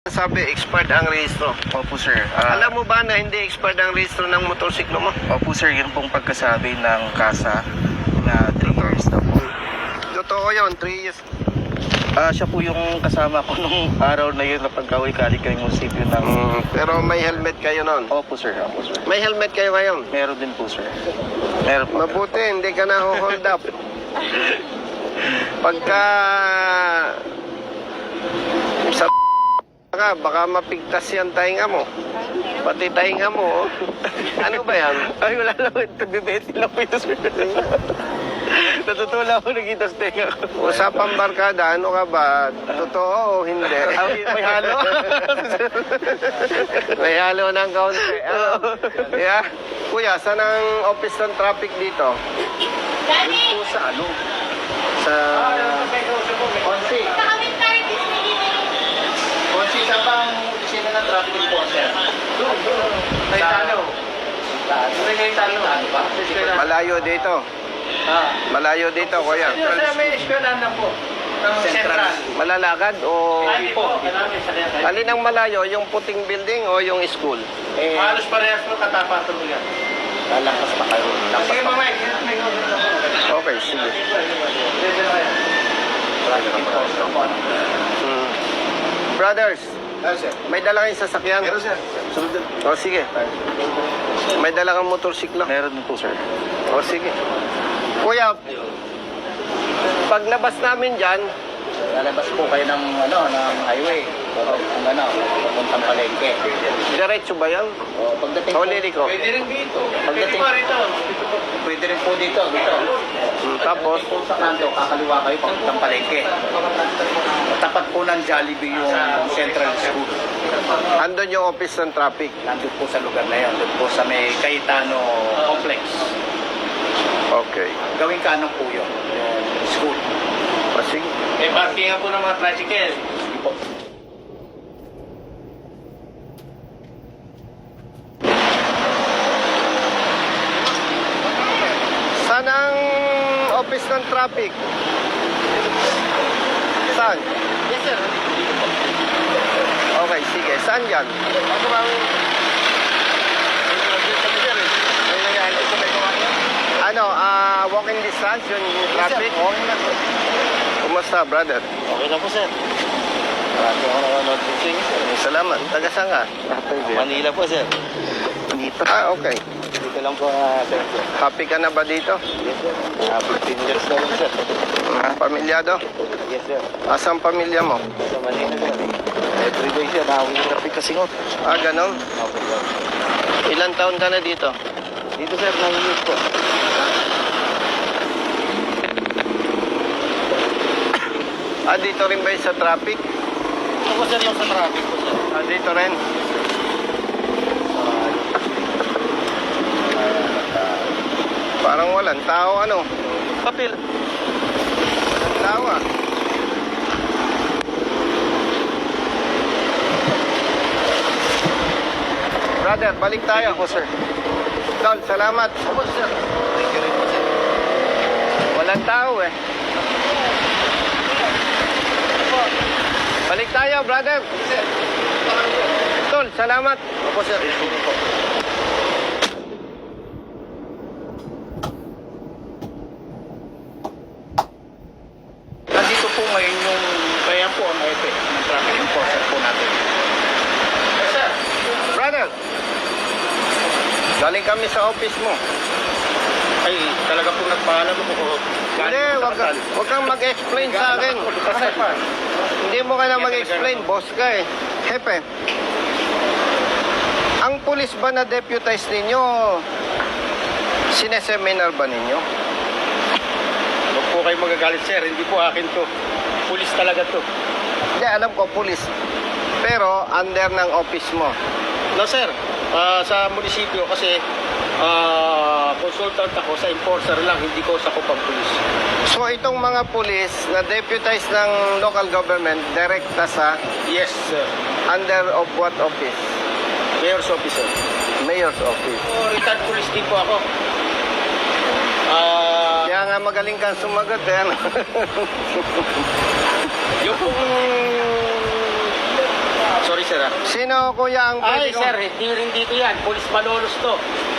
Sabi, expired ang rehistro. Opo, sir. Alam mo ba na hindi expired ang rehistro ng motorsiklo mo? Opo, sir. Yun pong pagkasabi ng kasa na 3 years na po. Totoo yun, 3 years. Siya po yung kasama ko nung araw na yun na pag-away kalik ng munisipyo ng... Pero may helmet kayo nun. Opo, sir. Opo, sir. May helmet kayo ngayon. Meron din po, sir. Meron po. Mabuti, hindi ka na hold up. Pagka... Sa ka, baka mapigtas yan tainga mo. Pati tainga mo. Ano ba yan? Ay, wala lang. Nagbibeti lang po ito, sir. Natutuwa ako nakita sa tenga ko. Usapang barkada, ano ka ba? Totoo o hindi? May halo. May halo ng kaunti. Yeah. Kuya, saan ang office ng traffic dito? Yun po sa ano? Sa... Konsi. Konsi, saan ba ang opisina ng traffic po, sir? Doon. May talo. May talo. Malayo dito. Malayo dito, kuya. May eskwelahan na po. Central. Malalakad o... Po. Alin ang malayo? Yung puting building o yung school? Halos parehas po katapatan mo yan. Lalakas pa kayo. Sige, mamay. Okay, sige. Brothers, may dala kayong sasakyan? Meron, sir. Sunod. O, sige. May dala kang motorsiklo? Meron din po, sir. O, sige. Kuya, paglabas namin dyan, Lalabas po kayo ng highway. Ang papuntang palengke. diretso ba yan? O pagdating O, liliko? Pwede rin dito. Pagdating pwede rin po dito. Tapos, Pagdating po sa kanto, kakaliwa kayo papuntang palengke. Tapat po ng Jollibee yung Central School. andun yung office ng traffic. Nandun po sa lugar na yun. Doon po sa may Cayetano Complex. Okay. Gawing kanong po yun. Yung school. O, sige. May parkingan po ng mga tricycle. Sige po. Saan ang office ng traffic? Saan? Yes, sir. Okay, sige. Saan yan? Ako bang... Ano, walking distance yung traffic? Okay na po. Kumusta, brother? Okay na po, sir. Marami ako nanonood po sa inyo, sir. Salamat. Taga saan ka? Manila po, sir. Dito. Okay. Dito lang po, sir. Happy ka na ba dito? Yes, sir. 15 years na rin, sir. Pamilyado? Yes, sir. Asang pamilya mo? Sa Manila, sir. Everyday, sir. Nakawin yung traffic kasi ngot. Ganon. Okay, sir. Ilan taon ka na dito? Dito, sir, nangingit po. Dito rin ba yung sa traffic? Ito po, sir, yung sa traffic po, sir. Dito rin. Parang walang tao, ano? Papel. Walang tao, Brother, balik tayo. po, sir. Tol, salamat. Opo, sir. Thank you rin po, sir. Walang tao, Balik tayo, brother. Sir. Tol, salamat. Opo, sir. Thank you po. Nandito po ngayon yung kaya po ang effect ng traffic enforcer po natin. Yes, sir. Brother, galing kami sa office mo. Ay, talaga po nagpaalam ko po. Hindi, wag kang mag-explain sa akin. Hindi mo kailangan mag-explain, boss ka eh. Hepe, ang pulis ba na deputize ninyo, sineseminar ba ninyo? Huwag po kayo magagalit, sir. Hindi po akin to. Pulis talaga to. Hindi, alam ko, pulis. Pero, under ng office mo. No, sir. Sa munisipyo kasi consultant ako sa enforcer lang, hindi ko sa kupang pulis. So, itong mga pulis na deputize ng local government, direkta sa Yes, sir. under of what office? Mayor's officer. Mayor's office. Retired police din po ako. Kaya nga magaling kang sumagot eh. Yung pong... Sorry sir. Sino kuya ang Ay, pwede sir, hindi rin dito yan. Police Malolos to.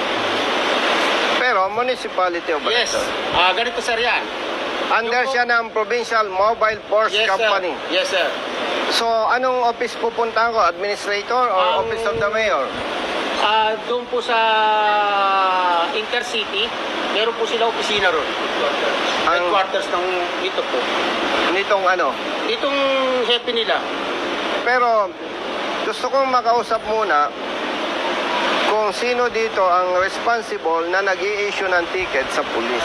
Pero municipality of Yes. Baliton. Ganito, sir, yan. Under siya ng Provincial Mobile Force Yes, Company. sir. Yes, sir. So, anong office pupuntahan ko? Administrator or Ang- Office of the Mayor? Doon po sa Intercity, meron po sila opisina ron. Headquarters ng ito po. Nitong ano? Itong hepe nila. Pero, gusto kong makausap muna kung sino dito ang responsible na nag-i-issue ng ticket sa pulis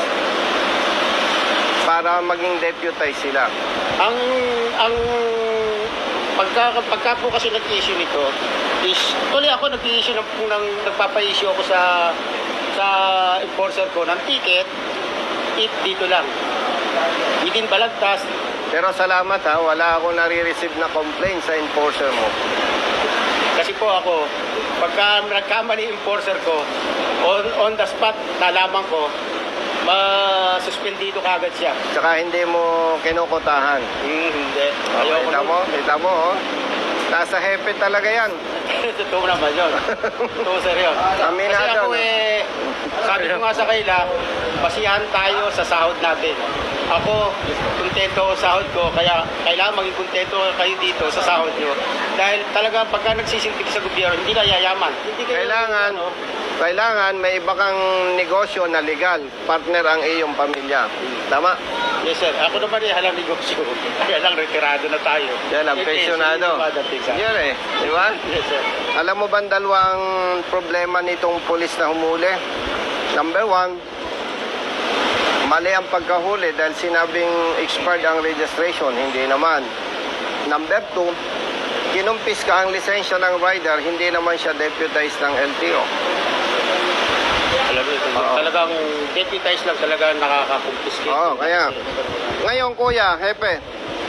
para maging deputize sila. Ang pagka po kasi nag-issue nito is tuloy ako nag-issue ng nagpapa-issue ako sa enforcer ko ng ticket dito lang within Balagtas. Pero salamat ha, wala akong nare-receive na complaint sa enforcer mo. Kasi po ako pagka nagkamali yung enforcer ko on the spot nalaman ko masuspendido kagad siya. Tsaka hindi mo kinukotahan. Hindi. Kita mo? Kita mo, oh. Nasa hepe talaga yan. Totoo naman yun. Totoo, sir, yun. Aminado, Kasi ako no? sabi ko nga sa kaila, basihan tayo sa sahod natin. Ako, kontento ako sa sahod ko, kaya kailangan maging kontento kayo dito sa sahod nyo. Dahil talaga pagka nagsisilbig sa gobyerno, hindi na yayaman. Hindi kayo, Kailangan may iba kang negosyo na legal. Partner ang iyong pamilya. Tama? Yes, sir. Ako naman halang negosyo. Kaya lang, retirado na tayo. Yan ang pensyonado. Yan eh. Di ba? Yes, sir. Alam mo ba ang dalawang problema nitong pulis na humuli? Number one, mali ang pagkahuli dahil sinabing expired ang registration. Hindi naman. Number two, kinumpis ka ang lisensya ng rider, hindi naman siya deputized ng LTO. Alam mo, Oo. talagang deputize lang talaga nakakakumpiskate. Oo, kaya. Ngayon, kuya, hepe.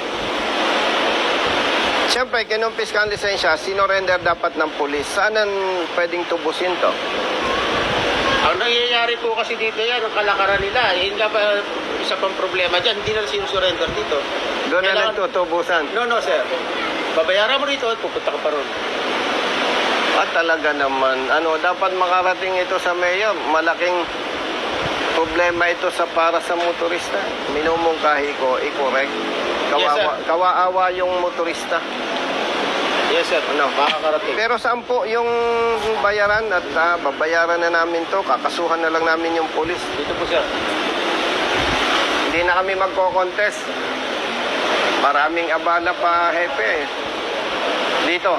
Siyempre, kinumpis ka ang lisensya, sinorender dapat ng pulis. Saan ang pwedeng tubusin to? Ang nangyayari po kasi dito yan, ang kalakaran nila, hindi pa isa pang problema dyan, hindi na sinusurrender dito. Doon na Kailangan- nagtutubusan. No, sir. Babayaran mo rito at pupunta ka pa ron. At talaga naman, dapat makarating ito sa mayor. Malaking problema ito para sa motorista. Minumungkahi ko, i-correct. Yes, sir. Kawaawa yung motorista. Yes, sir. Ano? Makakarating. Pero saan po yung bayaran at babayaran na namin to, kakasuhan na lang namin yung polis. Dito po, sir. Hindi na kami magko-contest. Maraming abala pa, hepe. Dito.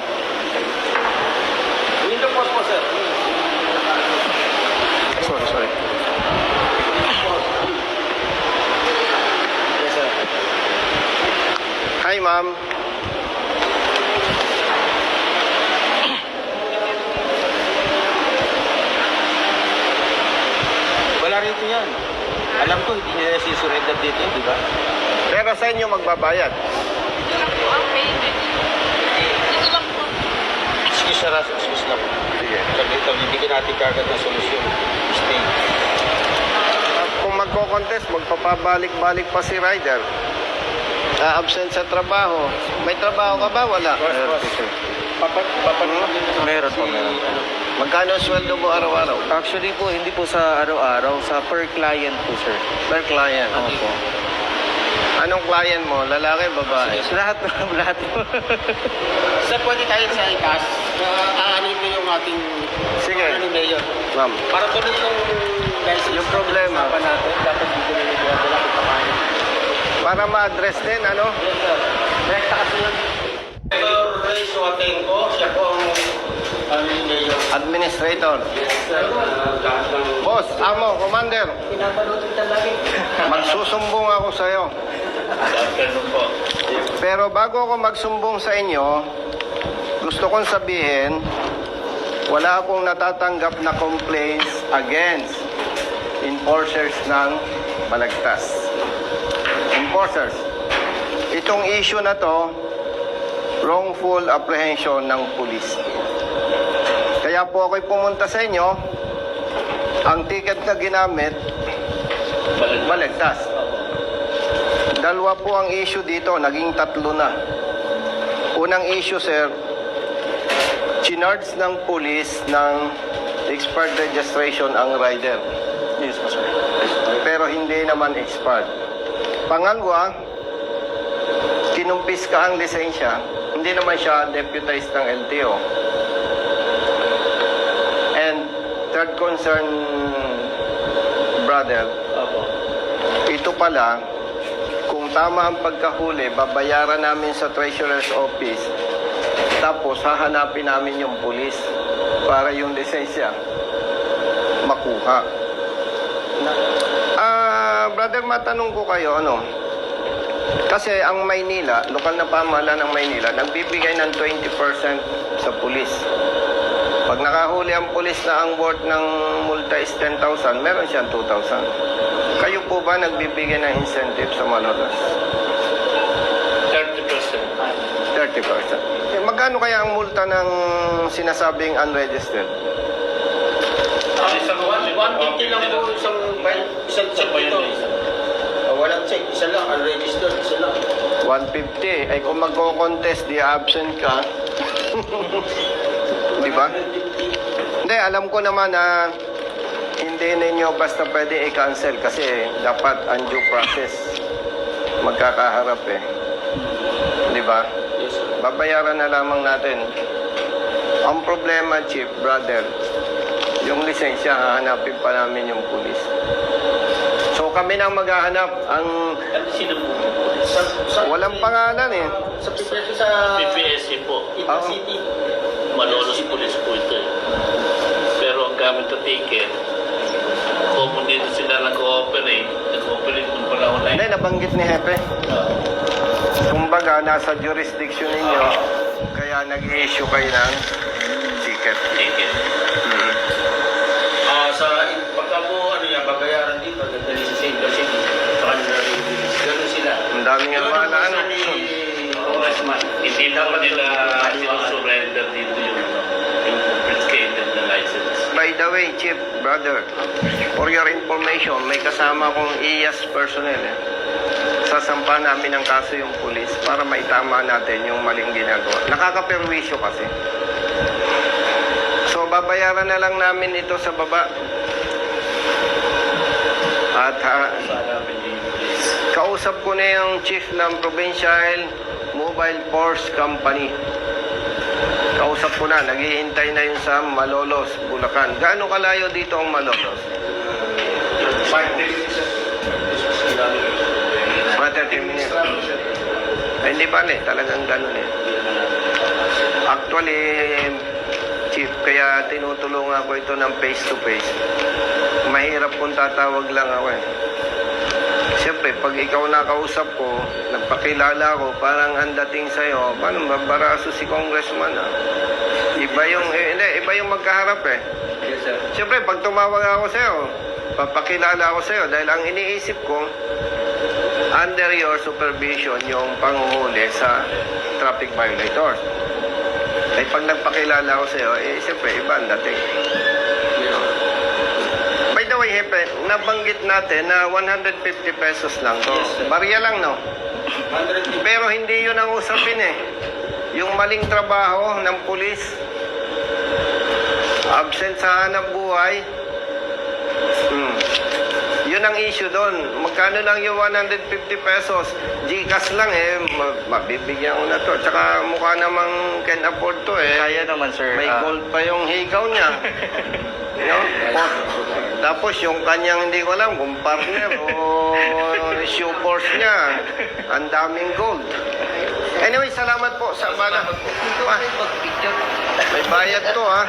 Dito po, sir. Sorry. Yes, sir. Hi, ma'am. Wala rito yan. Alam ko, hindi nila sisurrender dito, di ba? Pero sa inyo magbabayad. Excuse na excuse na po. Sige. Saglit lang, hindi natin kagad na solusyon. Stay. Kung magko-contest, magpapabalik-balik pa si rider. Absent sa trabaho. May trabaho ka ba? Wala. Meron po, meron. Magkano ang sweldo mo araw-araw? Actually po, hindi po sa araw-araw, sa per client po, sir. Per client. Opo. Anong client mo? Lalaki, babae? Lahat po. Sir, pwede tayo sa ikas. Aanin mo yung ating Sige. ano ni Mayor. Ma'am. Para tuloy Yung problema. usapan natin, dapat dito na yung wala kung paano. Para ma-address din, ano? Yes, sir. Rekta kasi yun. Mayor Ray Suatenco, siya po ang ano ni Mayor. Administrator. Yes, sir. Lahat ng... Boss, amo, commander. Pinapanood kita lagi. Magsusumbong ako sa'yo. Afternoon po. Pero bago ako magsumbong sa inyo, gusto kong sabihin, wala akong natatanggap na complaints against enforcers ng Balagtas. Enforcers. Itong issue na to, wrongful apprehension ng pulis. Kaya po ako'y pumunta sa inyo, ang ticket na ginamit, Balagtas. Dalawa po ang issue dito, naging tatlo na. Unang issue, sir, Chinards ng pulis ng expired registration ang rider. Yes po, sir. Pero hindi naman expired. Pangalawa, kinumpis ka ang lisensya, hindi naman siya deputized ng LTO. And third concern, brother, Opo. ito pala, kung tama ang pagkahuli, babayaran namin sa Treasurer's Office, tapos hahanapin namin yung pulis para yung lisensya makuha. Brother, matanong ko kayo, ano? Kasi ang Maynila, lokal na pamahalaan ng Maynila, nagbibigay ng 20% sa pulis. Pag nakahuli ang pulis na ang worth ng multa is 10,000, meron siyang 2,000. Kayo po ba nagbibigay ng incentive sa manolas? 30%. 30%. Eh, magkano kaya ang multa ng sinasabing unregistered? Isang 150 lang po isang check dito. Walang check, isa lang, unregistered, isa lang. 150. Ay kung magko-contest, di absent ka. Di ba? Hindi, alam ko naman na hindi ninyo basta pwede i-cancel kasi dapat ang due process magkakaharap eh. Di ba? Yes, sir. Babayaran na lamang natin. Ang problema, Chief, brother, yung lisensya, hahanapin pa namin yung pulis. So kami nang maghahanap. Ang Ano sino po? walang pangalan eh. Sa PPSC po. Intercity. Malolos Police po ito eh. Pero ang gamit na ticket, common dito sila nag-ooperate. Nag-ooperate kung pala online. Hindi, nabanggit ni Hepe. Kumbaga, nasa jurisdiction ninyo, kaya nag-i-issue kayo ng ticket. Ticket. Pagka po, babayaran dito, dadali sa Intercity. Sa kanila rin. Ganun sila. Ang daming wala, ano. Congressman. Hindi dapat nila surrender dito yung confiscated na license. By the way, Chief, brother, for your information, may kasama kong IAS personnel eh. Sasampa namin ang kaso yung pulis para maitama natin yung maling ginagawa. Nakakaperwisyo kasi. So, babayaran na lang namin ito sa baba. At kausap ko na yung chief ng Provincial Mobile Force Company. Kausap ko na, naghihintay na yun sa Malolos, Bulacan. Gaano kalayo dito ang Malolos? 5 days. Mga 30 minutes. Ay, hindi ba talagang ganun eh. Actually, Chief, kaya tinutulungan ko ito ng face-to-face. Mahirap kung tatawag lang ako eh. Siyempre, pag ikaw nakausap ko, nagpakilala ko, parang ang dating sa'yo, paano mabaraso si congressman ah? Iba yung magkaharap eh. Yes, sir. Siyempre, pag tumawag ako sa'yo, papakilala ako sa'yo dahil ang iniisip ko, under your supervision yung panguhuli sa traffic violators. Ay pag nagpakilala ako sa'yo, eh siyempre, iba ang dating. By the way, Hepe, nabanggit natin na 150 pesos lang to. Yes, sir. Barya lang, no? 150. Pero hindi yun ang usapin eh. Yung maling trabaho ng pulis, absent sa hanap buhay, yun ang issue doon. Magkano lang yung 150 pesos? Gcash lang eh, mabibigyan ko na to. Tsaka mukha namang can afford to eh. Kaya naman, sir. May gold pa yung higaw niya. No? Tapos yung kanyang hindi ko alam kung partner o shoe force niya. Ang daming gold. Anyway, salamat po sa bala. May bayad to ha.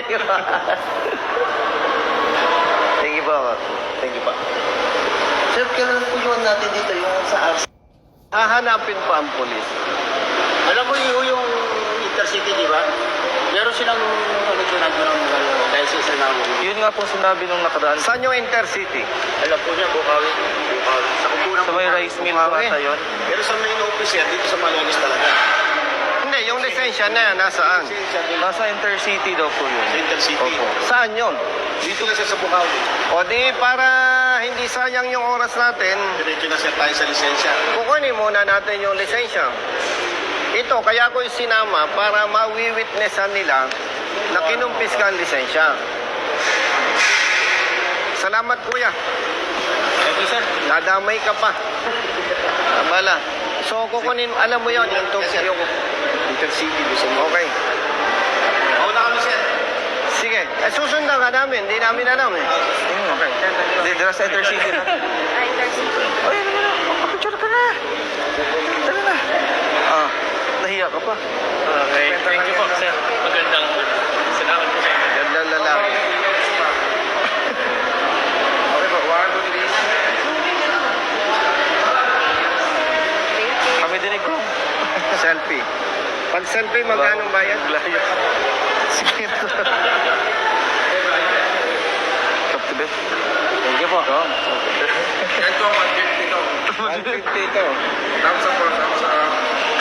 Thank you po. Thank you pa. Sir, kailan po yun natin dito yung sa RC? Hahanapin pa ang polis. Alam mo yung Intercity, di ba? Meron silang nandun ng license na Yun nga po sinabi nung nakaraan. Saan yung Intercity? alam po niya, Bukawi. Sa kupunang Sa may rice mill po ata yun. Pero sa main office yan, dito sa Malolos talaga. Hindi, yung lisensya na yan, nasaan? Nasa Intercity daw po yun. Sa Intercity. Opo. Saan yun? Dito lang siya sa Bukawi. O di, para hindi sayang yung oras natin, Diretso na siya tayo sa lisensya. kukunin muna natin yung lisensya. Ito, kaya ko sinama para mawi-witnessan nila na kinumpis ka ang lisensya. Salamat, kuya. Thank you, sir. Nadamay ka pa. Abala. So, kukunin, alam mo yun, yung Intercity, gusto mo. Okay. Mauna kami, sir. Sige. Susundan ka namin. Hindi namin alam eh. Okay. Hindi, dira sa Intercity na. Ay, ano na? Kapicture ka na. Tara na. Ah, nahiya ka pa. Okay, thank you po, sir. Magandang salamat po sa inyo. Gandang lalaki. Okay po. 1, 2, 3. Kami dinig ko. Selfie. Pag selfie, magkano bayad? Layo. Sige. Kaptibet. Thank you po. Ito, 150 ito. 150 ito. Thumbs up po, thumbs up.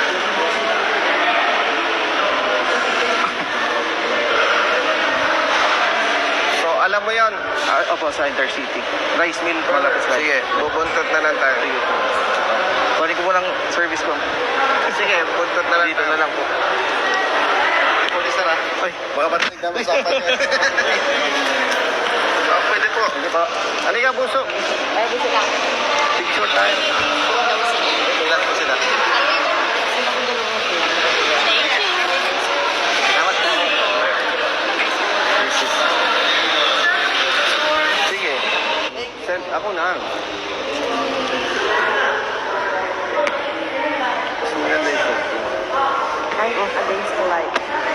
So, alam mo yon. Opo, sa Intercity. Rice mill, malapit sa Sige, bubuntot na lang tayo. Kunin ko mo lang service ko. Sige, buntot na lang Dito tayo. na lang po. Pulis na. Ay, Baka patinig na masapan niya. Pwede po. sige pa. Halika, buso. Picture tayo. Ilan po sila? Sige. Send ako na. Mas maganda yung selfie. Ay, against the light.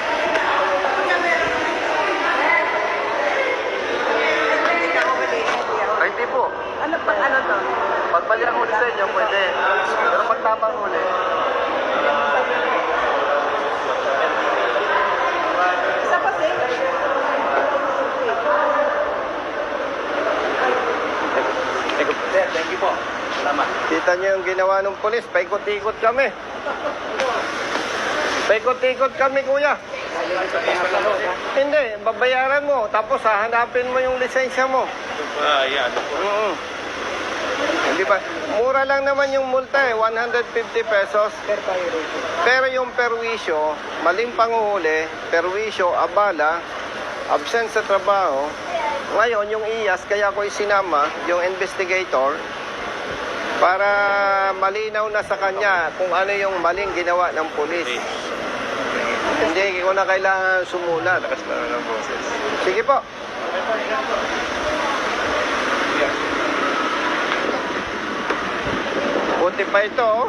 Ay, di po. Ano pa, ano to? Pag mali ang huli sa inyo, pwede. Pero pag tama ang huli, Isa pa, sir. Sir, thank you po. Salamat. kita nyo yung ginawa ng polis. Paikot-ikot kami. Paikot-ikot kami, kuya. Hindi, babayaran mo. Tapos hahanapin mo yung lisensya mo. Yan. Hindi ba? Mura lang naman yung multa eh, 150 pesos. Pero yung perwisyo, maling panguhuli, perwisyo, abala, absent sa trabaho. Ngayon, yung IAS, kaya ko isinama, yung investigator, para malinaw na sa kanya kung ano yung maling ginawa ng pulis. Hindi ko na kailangan sumulat. Sige po. Buti pa ito, oh.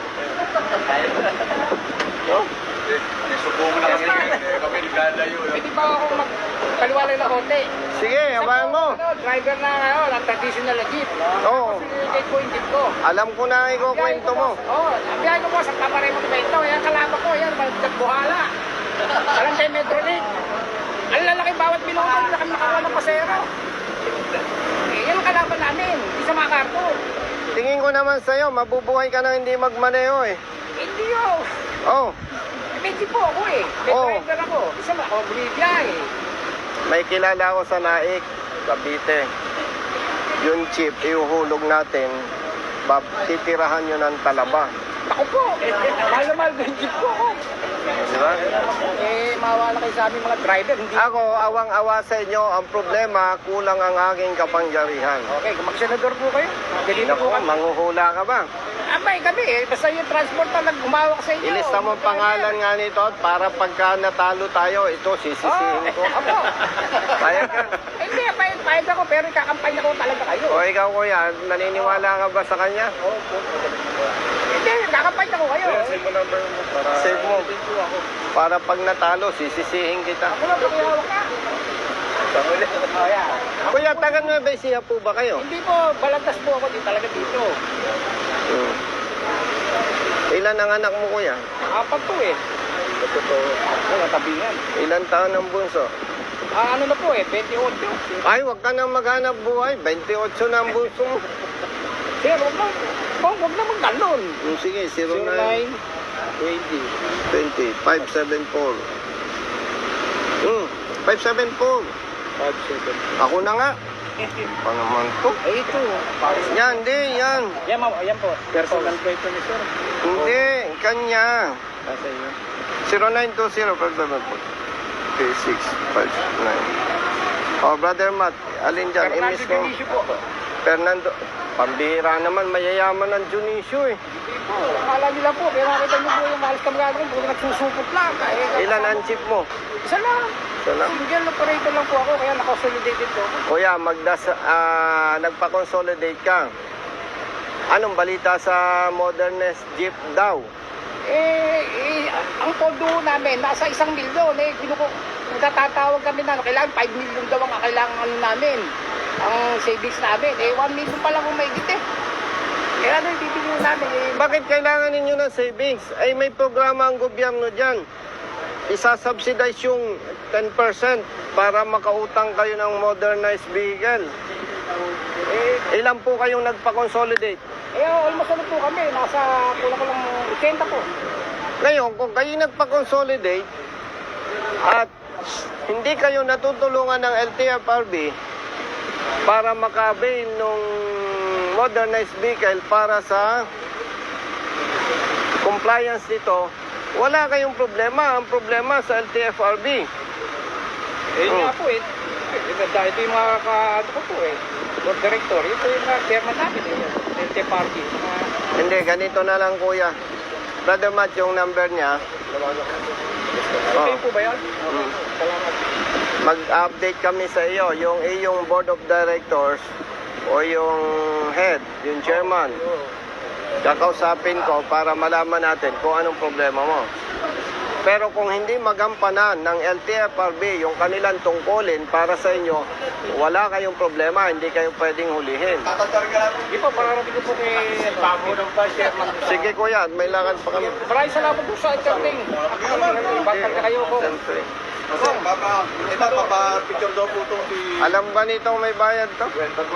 Oh. Subukan na kami. Kami nagdalayo. Pwede ba ako magpaliwalay na konti? Sige, abayan mo. Driver na ngayon, ang traditional na jeep. Oo. Pinigay ko yung jeep ko. Alam ko na ang ikukwento mo. Oo, ang biyahe ko po sa Camarero Monumento. Yan, kalama ko. Yan, Buhala. Alam tayo Metrolink. Ang lalaki bawat minuto, hindi na kami nakakuha ng pasero. Yan ang kalaban namin. Hindi sa mga karto. Tingin ko naman sa'yo, mabubuhay ka na hindi magmaneho eh. Hindi yun. Oh, May jeep po ako eh. May Oo. driver ako. Isa ba ako bumibiyahe. may kilala ako sa Naik, Cavite. Yung chip, ihuhulog natin, titirahan nyo ng talaba. Ako po. Mahal na mahal ko yung jeep ko ako. Di ba? Eh, mawala kayo sa aming mga driver. Hindi. Ako, awang-awa sa inyo, ang problema, kulang ang aking kapangyarihan. Okay, kung mag-senador po kayo. Ganito Naku, po kami. manghuhula ka ba? Abay kami eh. Basta yung transport na nagumawak sa inyo. Ilista mo ang pangalan nga nito at para pagka natalo tayo, ito sisisihin ko. Opo. Payag ka. Hindi, payag ako pero ikakampanya ko talaga kayo. O ikaw kuya, naniniwala ka ba sa kanya? Hindi, ikakampanya ko kayo. Save mo. Para pag natalo, sisisihin kita. Ako lang pakihawak ka. Oh, yeah. Kuya, taga Nueva Ecija po ba kayo? Hindi po, balagtas po ako din talaga dito. Hmm. Ilan ang anak mo kuya? Apat po eh. Ako, natabingan. Ilan taon ang bunso? Ano na po eh, 28. Ay, wag ka nang maghanap buhay. 28 na ang bunso mo. Sir, huwag na maggalon. Sige, 09 09, 20 574. 574. 57. Ako na nga. Pa naman to. Ay, ito. Yan, di, yan. Yan po. Personal ko ito ni sir. Hindi, kanya. Nasa iyo. 0920-574-3659. Oh, Brother Matt, alin dyan? Fernando Imis mo. Dionisio po. Fernando. Pambihira naman, mayayaman ng Dionisio eh. Po, akala nila po, pero nakita niyo po yung malas kami gagawin, puro nagsusupot lang. Ilan ang jeep mo? Isa lang. Salam. Single operator lang po ako, kaya nakasolidated po ako. Kuya, nagpa-consolidate ka. Anong balita sa Modernist Jeep daw? Ang pondo namin, nasa 1 milyon. Nagtatawag kami na, kailangan 5 million daw ang kailangan ano namin. Ang savings namin, 1 million pa lang kung maigit eh. Kaya ano yung bibigyan namin eh. Bakit kailangan ninyo ng savings? Ay may programa ang gobyerno dyan. Isasubsidize yung 10% para makautang kayo ng modernized vehicle. Ilan po kayong nagpa-consolidate? Almost ano po kami, nasa kulang-kulang 80 po. Ngayon, kung kayo nagpa-consolidate at hindi kayo natutulungan ng LTFRB para maka-avail ng modernized vehicle para sa compliance nito, wala kayong problema. Ang problema sa LTFRB. Nga po eh. Ito yung mga ko po eh. Board director, ito yung mga chairman namin eh. LT Party. Hindi, ganito na lang kuya. Brother Matt, yung number niya. Okay po ba yan? Salamat. Mag-update kami sa iyo, yung iyong board of directors o yung head, yung chairman. Kakausapin ko para malaman natin kung anong problema mo. Pero kung hindi magampanan ng LTFRB yung kanilang tungkulin para sa inyo, wala kayong problema, hindi kayo pwedeng hulihin. Hindi po, pararating ko po kay Bago ng chairman. Sige kuya, may lakad pa kami. Maraming salamat po sa interning. Bakit kayo po? Siyempre. Papa-picture daw po ito si... Alam ba nito may bayad to?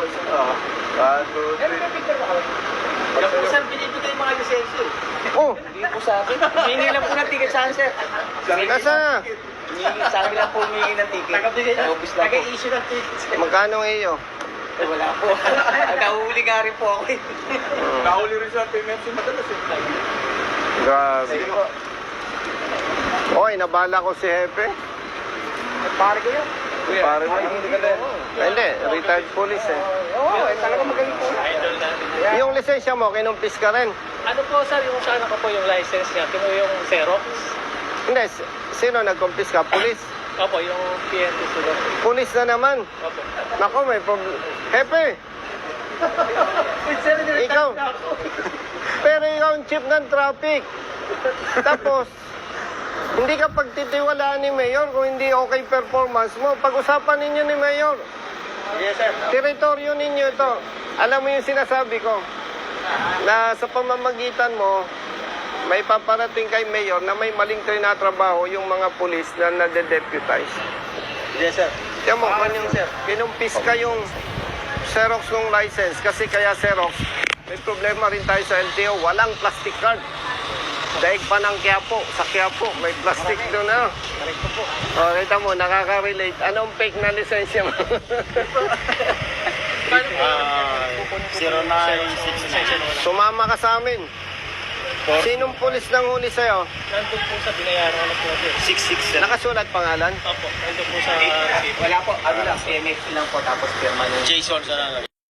Yan po sir, binibigay mga lisensyo. Oh, Hindi po sa akin. Hihingi lang po ng ticket saan sir. nasa na? Sa akin lang po humingi ng ticket. Nag-issue ng ticket. Magkano iyo? Wala po. Nahuli nga rin po ako eh. Nahuli rin sa payment si madalas eh. Grabe. Oy, nabala ko si Hepe. Pare ko yun. Pare mo. Hindi, retired police eh. Oo, talaga magaling po. Yung lisensya mo, kinumpis ka rin. Ano po sir, yung sana ko po yung license niya, kino yung Xerox? Hindi, sino nagkumpis ka? Police? Opo, yung PNP sila. Police na naman. Opo. Nako, may problem. Hepe! Ikaw. Pero ikaw ang chief ng traffic. Tapos, hindi ka pagtitiwalaan ni Mayor kung hindi okay performance mo. Pag-usapan ninyo ni Mayor. Yes sir. Teritoryo ninyo ito. Alam mo yung sinasabi ko, na sa pamamagitan mo, may paparating kay Mayor na may maling trinatrabaho yung mga pulis na nade-deputize. Yes sir. Tiyan mo, kinumpis ka yung Xerox ng license kasi kaya Xerox, may problema rin tayo sa LTO, walang plastic card. Daig pa ng Quiapo, sa Quiapo, may plastic doon na. O, kita mo, nakaka-relate. Anong fake na lisensya mo? 0966. Sumama ka sa amin. Sinong pulis nang huli sa'yo? Nandun po sa binayaran ko na po. 66. Nakasulat pangalan? Opo, nandun po sa... Wala po, ano lang, PMF lang po tapos pirma ng Jason sa